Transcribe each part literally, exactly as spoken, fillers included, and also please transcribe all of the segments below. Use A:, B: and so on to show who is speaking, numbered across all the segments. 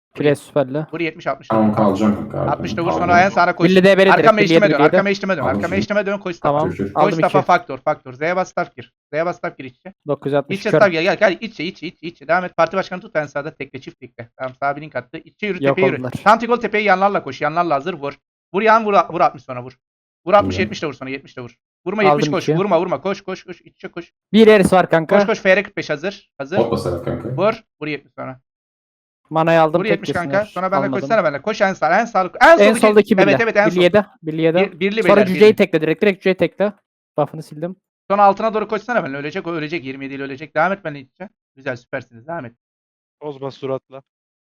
A: Pres süperli.
B: Vur yetmiş altmış.
C: Tamam kalacağım kanka.
B: altmış da vur
C: Kalacağım.
B: sonra en sağına koş.
A: Billy D B direkt.
B: Arkama eşleme dön.
A: Billy
B: Arkama eşleme dön.
C: Aldım
B: Arkama
C: şimdi.
B: eşleme dön. Koş
A: Tamam.
C: Kür, kür.
B: Koş
A: Aldım
B: staff'a
A: iki.
B: faktör faktör. Z'ye bas staff gir. Z'ye bas staff gir içe.
A: dokuz yüz altmış.
B: İçe
A: Kör.
B: staff gel gel gel içe içe içe içe. Devam et. Parti başkanı tut en sağda tekle çift tekle. Tamam sağ bir link attı. İçe yürü
A: Yok
B: tepeye yürü.
A: oldular.
B: Tam tek ol tepeye yanlarla koş. Yanlarla hazır vur. Vur yan vur vur altmış sonra vur. Vur altmış
C: İyi.
B: yetmiş de vur sonra yetmiş de vur. Vurma
A: Aldım
B: yetmiş koş.
A: iki.
B: Vurma vurma koş koş koş. İçe koş.
A: Bir eris var kanka.
B: Koş koş F R kırk beş hazır. Hazır.
C: Bot basarak kanka.
B: Vur. Vur yetmiş sonra.
A: Manayı aldım.
B: Vur
A: tek
B: yetmiş kanka.
A: kesinler.
B: Sonra benle
A: Almadım.
B: koşsana benle. Koş en sağ en sağ. En,
A: En soldaki birli.
B: Evet evet en
A: Birli
B: sol.
A: yedi. Birli yedi.
B: Bir- birli
A: Sonra
B: beyler,
A: cüceyi
B: birli.
A: tekle direkt. Direkt cüceyi tekle. Buff'ını sildim.
B: Sonra altına doğru koşsana benle. Ölecek o ölecek. yirmi yedi ile ölecek. Devam et benle içe. Güzel süpersiniz. Devam et.
D: Bozma suratla.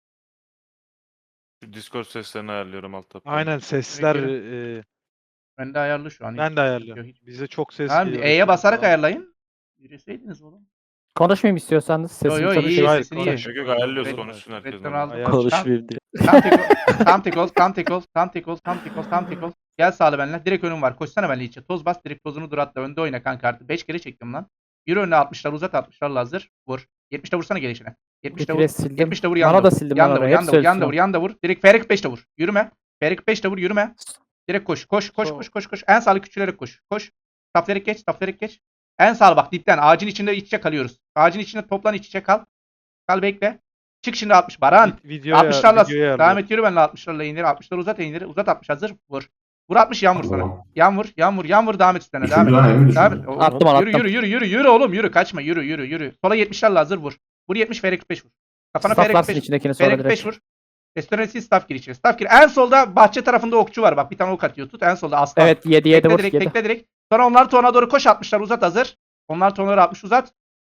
E: Şu Discord seslerini ayarlıyorum alt tabda.
D: Aynen sesler
B: Peki.
D: e,
B: Ben de ayarlı şu an.
D: ben de ayarlıyorum. Bize çok ses
B: Tamam,
D: geliyor.
B: E'ye basarak
D: Tamam.
B: ayarlayın. Yürüseydiniz oğlum.
A: Konuşmayayım istiyorsanız.
B: Yo
A: Sesim
B: yo
A: çalışıyor.
B: iyi
D: Hayır,
B: sesini iyi.
D: konuş.
E: Yok yok ayarlıyoruz
B: Red-
E: konuşsun herkes.
B: Redden
E: normal.
B: aldım.
D: Ayar-
F: Konuşmayayım diye.
B: Tam tek ol, tam tek ol, tam tek ol, tam tek ol, tam tek ol, tam tek ol. Gel sağlı benimle. Direkt önüm var. Koşsana benimle içe. Toz bas. Direkt tozunu dur atla. Önde oyna kanka artık. beş kere çektim lan. Yürü önüne altmışlar uzat. altmışlarla hazır. Vur. yetmişte vursana gelişine. yetmişte
A: Bir
B: vur.
A: pres sildim.
B: yetmişte vur
A: Mana
B: yanda
A: da
B: vur.
A: sildim.
B: Yanda
A: Mana
B: vur.
A: da.
B: Yanda
A: Hepsi
B: vur. Yanda vur.
A: ölsün.
B: Yanda vur. Direkt F R kırk beşte vur. Yürüme. F R kırk beşte vur. Yürüme. Direkt koş. Koş. Koş.
D: Sol.
B: Koş. Koş. Koş. En sağlı küçülerek koş. Koş. Taflerek geç. Taflerek geç. En sağlı bak dipten. Ağacın içinde iç içe kalıyoruz. Ağacın içinde toplan iç içe kal. Kal bekle. Çık şimdi altmış. Baran.
D: Vid- Videoya,
B: altmışlarla
D: videoya
B: devam
D: ayarlıyorum.
B: et yürü benimle altmışlarla indir. altmışları uzat indir. Uzat altmış hazır. Vur. Vur altmış yan vur sonra.
C: Tamam.
B: Yan vur. Yan vur. Yan vur devam et üstüne. Devam
C: Düşürdü
B: et.
C: lan elimi
B: Devam et.
C: düşürdü.
B: O-
A: Attım onu,
B: yürü,
A: attım.
B: yürü yürü yürü yürü oğlum yürü kaçma yürü yürü yürü. Sola yetmişlerle hazır vur. Vur yetmiş F R kırk beş vur. Kafana F R kırk
A: Stafflarsın
B: beş.
A: içindekini
B: F R
A: sonra
B: kırk beş
A: direkt.
B: vur. Restoranesi staff gir içeri. Staff gir. En solda bahçe tarafında okçu var bak. Bir tane ok atıyor. Tut en solda aslan.
A: Evet yedi yedi
B: Tekle
A: vur.
B: direkt
A: yedi.
B: tekle direkt. Sonra onlar tona doğru koş altmışlar uzat hazır. Onlar tonları altmış uzat.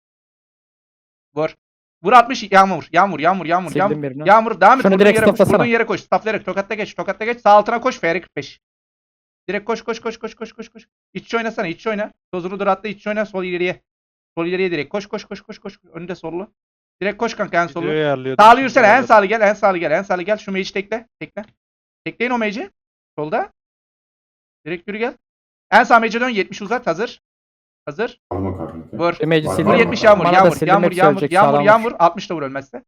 B: Vur. Vur altmış yağmur. Yağmur yağmur yağmur
A: Sildim
B: yağmur.
A: birini.
B: Yağmur devam et.
A: Şunu
B: Vurduğun
A: direkt
B: yere koş.
A: stoplasana.
B: Vurduğun yere koş. Stafflayarak tokatta geç. Tokatta geç. Sağ altına koş. F R kırk beş. Direkt koş koş koş koş koş koş koş. İç oynasana iç oyna. Tozunu dur atla iç oyna sol ileriye. Sol ileriye direkt koş koş koş koş koş. Önünde sollu. Direkt koş kanka en sollu.
D: Videoya ayarlıyordum.
B: Sağlı
D: Şimdi
B: yürüsene en
D: ayarladım.
B: sağlı gel en sağlı gel en sağlı gel. Şu mage'i tekle. Tekle. Tekleyin o mage'i. Solda. Direkt yürü gel. En sağ mage'e dön yetmiş uzat hazır. Hazır.
C: Alma kanka.
B: Vur.
A: Demeci
C: Var,
A: sildim.
B: Vur
C: var,
B: yetmiş
C: var.
B: yağmur
A: Mana da
B: yağmur
A: sildim,
B: yağmur
A: hepsi
B: yağmur
A: ölecek,
B: yağmur
A: sağlam
B: yağmur.
A: vur.
B: altmış da vur ölmezse.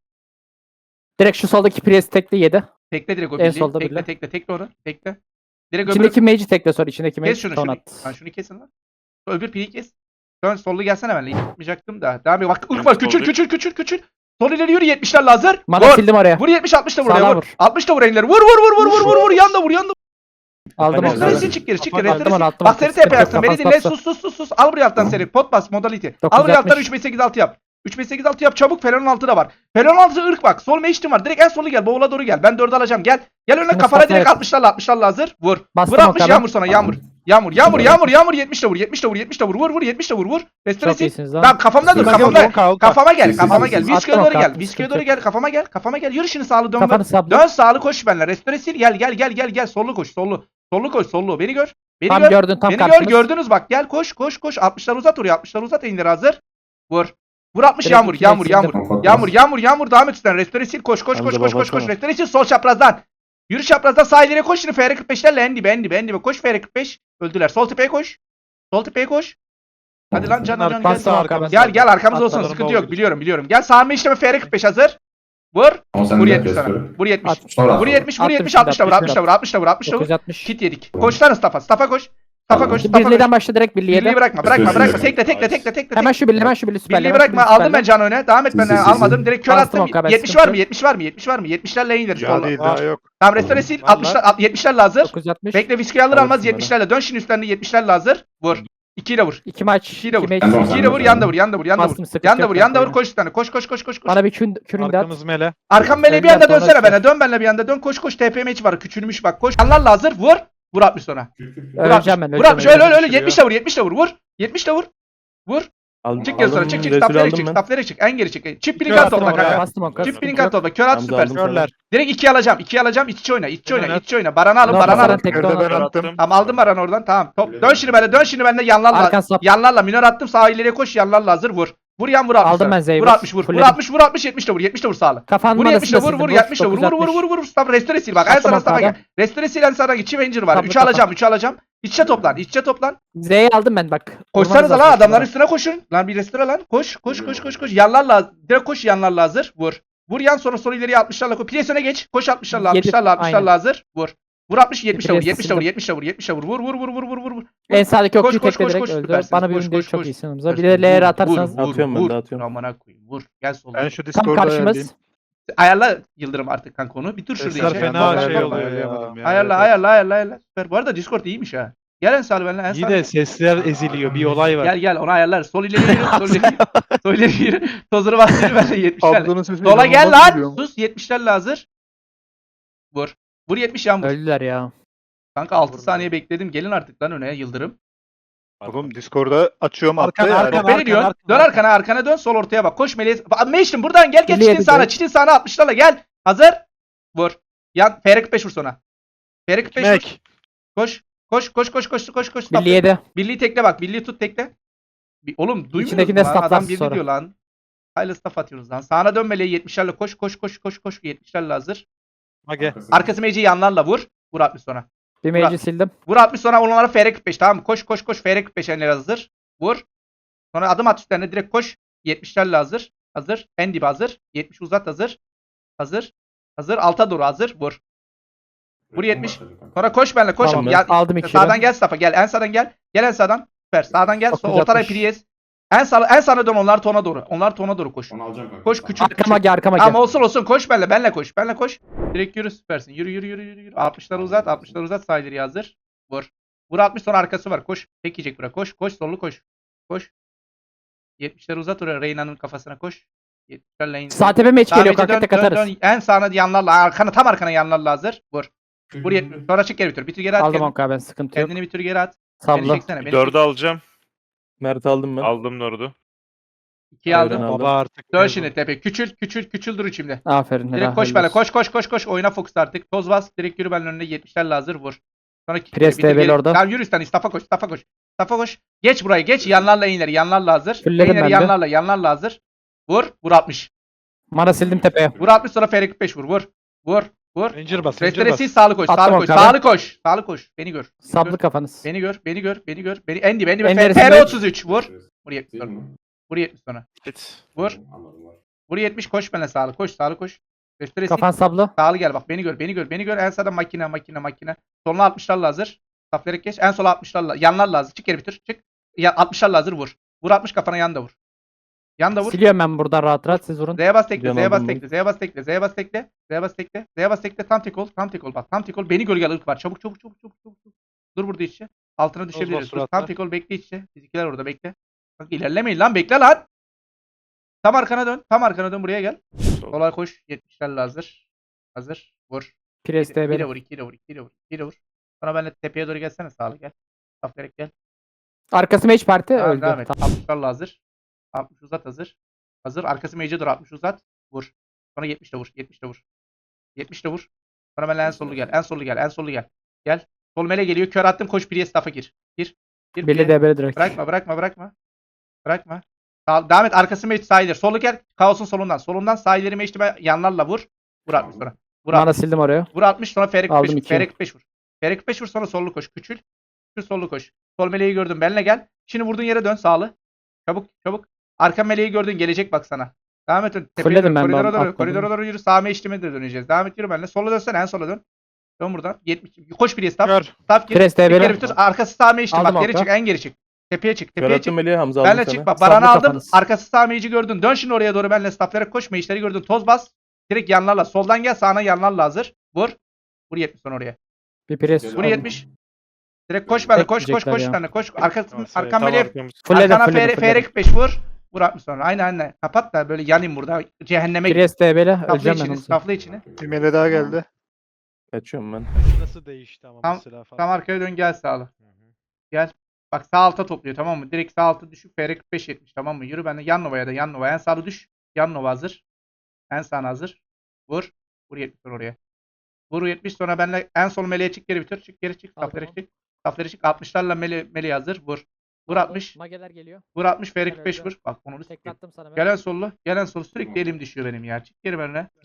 A: Direkt şu soldaki pres tekle yedi.
B: Tekle direkt o
A: En
B: birliği.
A: solda
B: Tekle
A: birliği.
B: tekle tekle onu. Tekle. Direkt öbür.
A: İçindeki mage'i tekle sonra. içindeki mage
B: Kes şunu
A: ton
B: şunu.
A: at.
B: Lan şunu kesin lan. Öbür pili kes. Dön sollu gelsene benimle. Yapmayacaktım da. Devam et. Bak ırk var. Küçül küçül küçül küçül. Sol ileri yürü yetmişlerle hazır.
A: Mana
B: Vur.
A: sildim oraya.
B: Vur yetmiş altmış da vur.
A: Sağdan
B: oraya, Vur.
A: vur.
B: altmış da vur enleri. Vur vur vur vur vur vur vur. Yanda vur yanda.
A: Aldım
D: Aynen,
A: onu.
D: aynen.
B: Restoresi çık geri çık geri.
D: Attım
A: onu,
B: Restoresi.
A: attım
B: Bak
A: onu.
B: seri
A: Sıkıntı
B: tepe
A: yok,
B: yapsın. Beni
A: kafası
B: dinle.
A: bastı.
B: Sus sus sus sus. Al buraya alttan seri. Pot bas modality. Al
A: dokuz
B: buraya alttan
A: altmış.
B: üç beş sekiz altı yap. üç beş sekiz altı yap çabuk. Felon'un altı da var. Felon'un altı ırk bak. Sol meştim var. Direkt en solu gel. Boğula doğru gel. Ben dördü alacağım. Gel. Gel önüne
A: Şunu
B: kafana
A: stopla
B: direkt
A: yap.
B: altmışlarla altmışlarla hazır. Vur.
A: Bastım
B: Vur altmış
A: o kadar.
B: yağmur sana yağmur. Yağmur yağmur yağmur yağmur yetmiş de vur. yetmiş de vur. yetmiş de vur. Vur vur yetmiş de vur. Vur.
A: Çok
B: Restoresi.
A: iyisiniz lan.
B: Ben kafamda dur.
C: Siz-
B: Kafamda.
D: Onka, onka.
B: Kafama gel.
C: Siz-
B: Kafama
C: siz-
B: gel.
C: siz-
B: Viskiye
A: Attım
B: doğru
A: o
B: gel.
A: kartı,
B: Viskiye
A: sıkıntı
B: doğru gel. Kafama gel. Kafama gel. Yürü şimdi sağlı dön.
A: Kafanı
B: Dön,
A: sabla.
B: dön sağlı koş benimle. Restoresi gel gel gel gel gel. Sollu koş. Sollu. Sollu koş. Sollu. Beni gör. Beni
A: Tam
B: gör.
A: gördün tam
B: Beni gör
A: karşınız.
B: gördünüz bak gel koş koş koş altmışlar uzat oraya altmışlar uzat indir hazır. Vur. Vur altmış
A: Direkt
B: yağmur
A: iki
B: yağmur
A: sildim.
B: yağmur.
C: Kapat
B: Yağmur
C: bas.
B: yağmur yağmur devam et üstten restore sil koş koş koş
F: Hamza
B: koş
F: baba
B: koş koş
F: sana.
B: restore sil sol çaprazdan. Yürü çaprazdan sağ ileriye koş şimdi F R kırk beşlerle en dibe en dibe en dibe koş F R kırk beş öldüler sol tepeye koş. Sol tepeye koş. Hadi lan can can gel.
D: Bastım arkamı.
B: Gel gel arkamız olsun
D: Atladım,
B: sıkıntı yok
D: oldu.
B: biliyorum biliyorum. Gel sağ işleme F R kırk beş hazır. Vur.
C: Ama sen
B: Vur
C: de
B: yetmiş sana.
C: restore.
B: Vur yetmiş.
A: At.
C: Sonra
B: Vur yetmiş vur
A: Attım
B: yetmiş
A: şimdi,
B: altmış da vur
A: attım
B: altmış da vur altmış da vur altmış da vur.
A: dokuz altmış.
B: Kit yedik. Koş lan Staff'a. Staff'a koş. Staff'a koş.
C: Tamam.
B: Staff'a koş.
A: Birliğden başla direkt birliğe
B: Birliği
A: de.
B: bırakma bırakma
C: Restore
B: bırakma.
C: sil.
B: Tekle tekle tekle tekle.
A: Hemen şu birliği hemen şu birliği süperle.
B: Birliği
A: hemen şu
B: bırakma.
A: birliği
B: Aldım ben
A: süperle.
B: can öne. Devam et
C: Sil,
B: ben
C: sil, sil,
B: almadım.
C: sil.
B: Direkt kör
A: Bastım
B: attım.
A: o kadar,
B: yetmiş
A: sıkıntı
B: var mı?
A: yok.
B: yetmiş var mı? yetmiş var mı? yetmişlerle indir.
D: Ya
B: Solla.
D: değil daha yok.
B: Tamam restore sil.
D: Vallahi.
B: altmışlar yetmişlerle hazır.
A: dokuz altmış.
B: Bekle viski alır almaz
A: Alsın
B: yetmişlerle. Dön şimdi üstlerinde yetmişlerle hazır. Vur. iki ile vur.
A: İki maç.
B: İki de vur.
A: iki maç.
C: Tamam,
B: iki ile vur. Yanda vur. Yanda vur. Yanda vur.
A: Bastım, sıkıntı
B: Yanda
A: yok
B: vur. Yanda vur.
A: kanka.
B: Koş üstlerine. Koş koş koş koş koş.
A: Bana bir kün, kürün de at.
D: Arkamız mele.
B: Arkam beni bir
A: Evden
B: anda
A: sonra
B: dönsene
A: çıkar.
B: bana. Dön benimle bir anda dön. Koş koş T P M H var. Küçülmüş bak. Koş. Yanlarla hazır. Vur. Vur altmış sonra.
C: Kür, kür, kür.
B: Vur
A: Öleceğim ben.
B: Vur
A: öleceğim,
B: altmış. Öyle öyle öyle.
D: Düşürüyor.
B: yetmiş de vur. yetmiş de vur. Vur. yetmiş de vur. Vur.
F: Aldım,
B: Çık geri sonra.
F: aldım,
B: Çık çık.
F: Resul
B: Staff'lere
F: aldım
B: çık.
F: ben.
B: Staff'lere çık. En geri çık. Çip blink
D: Kör
B: at
D: attım
B: topla
D: oraya.
B: kanka.
A: Bastım o kadar.
B: Çip
A: sıkıntı
B: blink
A: yok.
B: at topla. Kör at
F: Hamza
B: süper.
F: aldım sana.
D: Körler.
B: Direkt iki alacağım. iki alacağım. İç içe oyna. İç içe oyna.
D: Evet.
B: İç içe oyna. Baran'ı alın.
A: Lan
B: Baran'ı
A: Baran
B: alın.
A: tek-
D: Körde ben
A: Tamam,
D: attım.
B: Tamam aldım Baran'ı oradan. Tamam. Top. Dön şimdi bende. Dön şimdi bende yanlarla.
A: Arkan sap.
B: Yanlarla. Minör attım. Sağ ileriye koş. Yanlarla hazır. Vur. Vur yan vur altmış.
A: Aldım ben Zeyvur.
B: Vur altmış vur. Vur
A: Fulledim.
B: altmış vur altmış yetmiş de vur. yetmiş de vur sağlı.
A: Kafanın
B: Vur yetmiş de
A: manasını
B: vur vur
A: sildim,
B: yetmiş de vur. Vur
A: dokuz
B: vur
A: altmış.
B: vur vur. Stop restore sil bak. En
A: Attım
B: sana
A: o
B: staff'a
A: kadar.
B: gel. Restore sil en sağdan git. Chief var.
A: Tamam,
B: üçü
A: tamam.
B: alacağım. üçü alacağım. İç içe toplan. İç içe toplan.
A: Z'yi aldım ben bak.
B: Koşsanız
A: Vurmanız
B: lan
A: lazım
B: adamların
A: şunlara.
B: üstüne koşun. Lan bir restore lan. Koş koş koş koş koş. Yanlarla direkt koş yanlarla hazır. Vur. Vur yan sonra sol ileriye altmışlarla koş. Pires öne geç. Koş altmışlarla
A: Yedi,
B: altmışlarla altmışlarla
A: aynen.
B: hazır. Vur. Vur altmış yetmişle vur.
A: Pires
B: yetmişle vur.
A: sildim.
B: yetmişle vur. yetmişle vur. yetmişle vur. Vur vur vur vur vur vur. vur.
A: En sağdaki
B: Koş,
A: okçuyu
B: koş,
A: tekle
B: koş,
A: direkt
B: koş,
A: öldü.
B: süpersiniz.
A: Bana bir
B: Koş,
A: ünlüyü
B: koş,
A: çok
B: koş.
A: iyisin Hamza. Bir
B: Süpersiniz.
A: de L R
B: Vur,
A: atarsanız.
B: Vur vur
C: Atıyorum ben
B: vur.
C: de, atıyorum.
B: Amına koyayım. Vur. Gel solda.
D: Ben şu
A: Tam
D: Discord'a
A: karşımız.
B: Ayarla Yıldırım artık kanka onu. Bir dur şurada
D: Sesler
B: içe.
D: fena
B: Bak,
D: şey
B: bak,
D: oluyor
B: bak.
D: ya.
B: Ayarla ayarla ayarla ayarla. Süper. Bu arada Discord iyiymiş ha. Gel en sağ benimle en
D: İyi
B: sağ.
D: de sesler eziliyor. Bir olay var.
B: Gel gel onu ayarlar. Sol ileri yürü. Sol ileri yürü. Sol ileri yürü. Tozunu bastır ben de yetmişlerle.
F: Ablanın sesi
B: Sola gel
F: inanılmaz
B: lan.
F: geliyor.
B: Sus yetmişlerle hazır. Vur. Vur yetmiş yan vur.
A: Öldüler ya.
B: Kanka altı saniye bekledim. Gelin artık lan öne Yıldırım.
F: Oğlum Discord'a açıyorum
D: Arkan,
F: hatta yani.
D: arkan,
B: Beni
D: arkan,
B: diyorsun.
D: arkan,
B: Dön
D: arkan.
B: arkana arkana dön. Sol ortaya bak. Koş Meleğe. Meştim buradan gel gel
A: Birliğe
B: çitin sağına.
A: gidiyor.
B: Çitin sağına altmışlarla gel. Hazır. Vur. Yan F R kırk beş vur sonra. F R kırk beş vur.
D: Mek.
B: Koş. Koş koş koş koş koş koş.
A: Birliğe yedi.
B: Birliği tekle bak. Birliği tut tekle. Bir, oğlum duymuyoruz
A: İçindekinde
B: mu lan? Adam
A: stafflarsın
B: birli
A: sonra.
B: diyor lan. Hayırlı staff atıyoruz lan. Sağına dön Meleğe yetmişlerle koş koş koş koş koş. yetmişlerle hazır.
D: Mage.
B: Arkası Meci'yi yanlarla vur. Vur altmış sonra.
A: Bir mage'i sildim.
B: Vur altmış sonra onlara F R kırk beş tamam mı? Koş koş koş F R kırk beş enleri hazır. Vur. Sonra adım at üstlerine direkt koş. yetmişlerle hazır. Hazır. En dibi hazır. yetmiş uzat hazır. Hazır. Hazır. Alta doğru hazır. Vur. Vur yetmiş. Sonra koş benimle koş.
A: Tamam,
B: Ya-
A: aldım iki
B: sağdan
A: yürü.
B: gel Safa gel. En sağdan gel. Gel en sağdan. Süper. Sağdan gel. Sonra
A: dokuz
B: ortadan
A: altmış.
B: Prius. En sağ en sağına dön onlar tona doğru. Onlar tona doğru koş.
G: Onu alacağım kanka.
B: Koş küçük.
A: Arkama gel arkama
B: Tamam
A: gel.
B: olsun olsun koş benimle. Benimle koş. Benimle koş. Direkt yürü süpersin. Yürü yürü yürü yürü. yürü. altmışları uzat. altmışları uzat. Sağ ileri hazır. Vur. Vur altmış sonra arkası var. Koş. Tek yiyecek buraya. Koş. Koş sollu koş. Koş. yetmişleri uzat oraya. Reyna'nın kafasına koş. yetmişlerle in.
A: Sağ tepe mage
B: Sağ
A: geliyor
B: mece
A: kanka
B: dön,
A: tek
B: dön,
A: atarız.
B: dön. En sağına yanlarla. Arkana tam arkana yanlarla hazır. Vur. Vur yetmiş. Sonra çık geri bitir. Bitir geri at.
A: Aldım
B: kendini.
A: onka ben sıkıntı yok.
B: Kendini bitir geri at. Beni
A: Sabla.
B: çeksene. Beni
E: Dördü alacağım.
C: Mert aldım ben.
E: Aldım dördü.
B: İkiye
C: Aynen
B: aldım.
C: aldım.
D: Baba artık.
B: Dön
D: mezun.
B: şimdi tepe. Küçül küçül küçül dur içimde.
A: Aferin.
B: Direkt
A: helal,
B: koş
A: helal
B: benimle.
A: olsun.
B: Koş koş koş koş. Oyuna fokus artık. Toz bas. Direkt yürü benimle önüne. yetmişlerle hazır. Vur. Sonra kick
A: Pres
B: bitir,
A: D B'li
B: geri-
A: orada.
B: Tamam yürü üstten. Stafa koş. Stafa koş. Stafa koş. Geç burayı. Geç. Yanlarla ileri. Yanlarla hazır.
A: Fulledim
B: İleri
A: ben de.
B: yanlarla. Yanlarla hazır. Vur. Vur altmış.
A: Mana sildim tepeye.
B: Vur altmış sonra F R kırk beş vur. Vur. Vur. Vur.
D: Ranger bas. Ranger
B: Restoresi
D: bas.
B: sağlı koş.
A: Attım
B: Sağlı
A: o
B: koş.
A: kadar.
B: Sağlı koş. Sağlı koş. Beni gör. Beni
A: Sablı
B: gör.
A: kafanız.
B: Beni gör. Beni gör. Beni gör. Beni en dibe. En dibe.
A: En
B: F-
A: neresi
B: F R
A: be?
B: otuz üç. Vur. Vur yetmiş sonra. Vur yetmiş sonra.
E: Git.
B: Vur.
G: Anladım var.
B: Vur yetmiş koş benimle sağlı. Koş sağlı koş. Restoresi
A: Kafan sablı.
B: sağlı gel bak. Beni gör. Beni gör. Beni gör. En sağda makine makine makine. Soluna altmışlarla hazır. Safları geç. En sola altmışlarla. Yanlarla hazır. Çık geri bitir. Çık. Ya altmışlarla hazır vur. Vur altmış kafana yan da vur. Yan da vur.
A: Siliyorum ben buradan rahat rahat siz vurun.
B: Z'ye bas tekle,
C: Can
B: Z'ye bas
C: aldım
B: tekle, Z'ye bas tekle, Z'ye bas tekle, Z'ye bas tekle, Z'ye bas tekle, tam tek ol, tam tek ol bak, tam tek ol. Beni gölge ırk var. Çabuk çabuk çabuk çabuk çabuk. çabuk. Dur burada içe. Altına düşebiliriz. Dur,
D: suratla.
B: tam tek ol bekle içe. Fizikiler orada bekle. Bak ilerlemeyin lan bekle lan. Tam arkana dön. Tam arkana dön buraya gel.
E: Sol.
B: Sola koş. yetmişlerle hazır. Hazır. Vur.
A: Pres D
B: Bir de
A: B'li.
B: vur, iki de vur, iki de vur, iki de vur. Sonra benimle tepeye doğru gelsene sağlı gel. Saflarek gel.
A: Arkası mage parti
B: Tamam,
A: öldü.
B: devam et.
A: Tamam.
B: altmışlarla hazır. altmış uzat hazır. Hazır. Arkası mage'e doğru altmış uzat. Vur. Sonra yetmiş de vur. yetmiş de vur. yetmiş de vur. Sonra benimle en sollu gel. En sollu gel. En sollu gel. Gel. Sol mele geliyor. Kör attım. Koş Priye staff'a gir. Gir. Gir.
A: Birli
B: Priye.
A: D B'li direkt.
B: Bırakma bırakma bırakma. Bırakma. Sağ, devam et. Arkası mage sağ ileri. Solu gel. Kaos'un solundan. Solundan sağ ileri mage'ime yanlarla vur. Vur altmış sonra. Vur
A: Mana
B: altmış.
A: sildim oraya.
B: Vur altmış sonra F R kırk beş
A: Aldım
B: vur.
A: iki.
B: F R kırk beş vur. F R kırk beş vur sonra sollu koş. Küçül. Küçül sollu koş. Sol meleği gördün. Benle gel. Şimdi vurduğun yere dön sağlı. Çabuk çabuk. Arka meleği gördün. Gelecek bak sana. Devam et. Tepeye
A: Fulledim
B: dön.
A: ben,
B: Koridora
A: ben
B: doğru.
A: atladım.
B: Koridora doğru yürü. Sağ meşlime de döneceğiz. Devam et yürü benimle. Sola dönsene. En sola dön. Dön buradan. yetmiş. Koş bir staff.
D: Kör.
B: Staff gir.
A: Pres
B: Çık
A: D B'li.
B: geri bitir. Arkası sağ meşlim.
A: Aldım
B: Bak geri
A: orta.
B: çık. En geri çık. Tepeye çık.
C: Kör
B: Tepeye çık.
C: attım Melih'e, Hamza aldım
B: Benle
C: sana.
B: çık bak.
A: Sablı
B: Baran'ı aldım.
A: kafanız.
B: Arkası sağ meci gördün. Dön şimdi oraya doğru benle stafflara koş. Meşleri gördün. Toz bas. Direkt yanlarla. Soldan gel. Sağına yanlarla hazır. Vur. Vur yetmiş sonra oraya.
A: Bir pres.
B: Vur yetmiş. Direkt koş benle. Koş koş
A: Bekleyecekler
B: koş
A: ya.
B: benle. Koş. Arkasın.
E: Tamam,
B: Arkam
E: tam
B: meleğe.
E: arkamız.
A: Fulledim
B: Arkana
A: fulledim
B: F R
A: fulledim.
B: kırk beş vur. Vur altmış sonra. Aynen aynen. Kapat da böyle yanayım burada. Cehenneme git.
A: Pres D B'li.
B: Stafla
A: Öleceğim ben
B: içini.
A: onu.
B: Stafla içini.
F: Bir mele daha geldi.
C: Kaçıyorum ben.
D: Nasıl değişti ama
B: Tam-
D: mesela falan.
B: Tam arkaya dön gel sağlı.
D: Hı hı.
B: Gel. Bak sağ alta topluyor tamam mı? Direkt sağ alta düşüp F R kırk beş yetmiş tamam mı? Yürü benimle yan novaya da yan novaya. En sağlı düş. Yan nova hazır. En sağına hazır. Vur. Vur yetmiş sonra oraya. Vur yetmiş sonra benimle en sol meleğe çık geri bitir. Çık geri çık.
A: Aldım
B: Safları
A: onu.
B: çık. Safları çık. altmışlarla mele, meleğe hazır. Vur. Vur altmış.
A: Mageler geliyor.
B: Vur altmış F R
A: Ben
B: kırk beş
A: öldüm.
B: vur. Bak onu
A: Tek
B: sikeyim.
A: attım sana ben.
B: Gelen sollu. Gelen sol sürekli elim düşüyor benim ya. Çık geri benimle.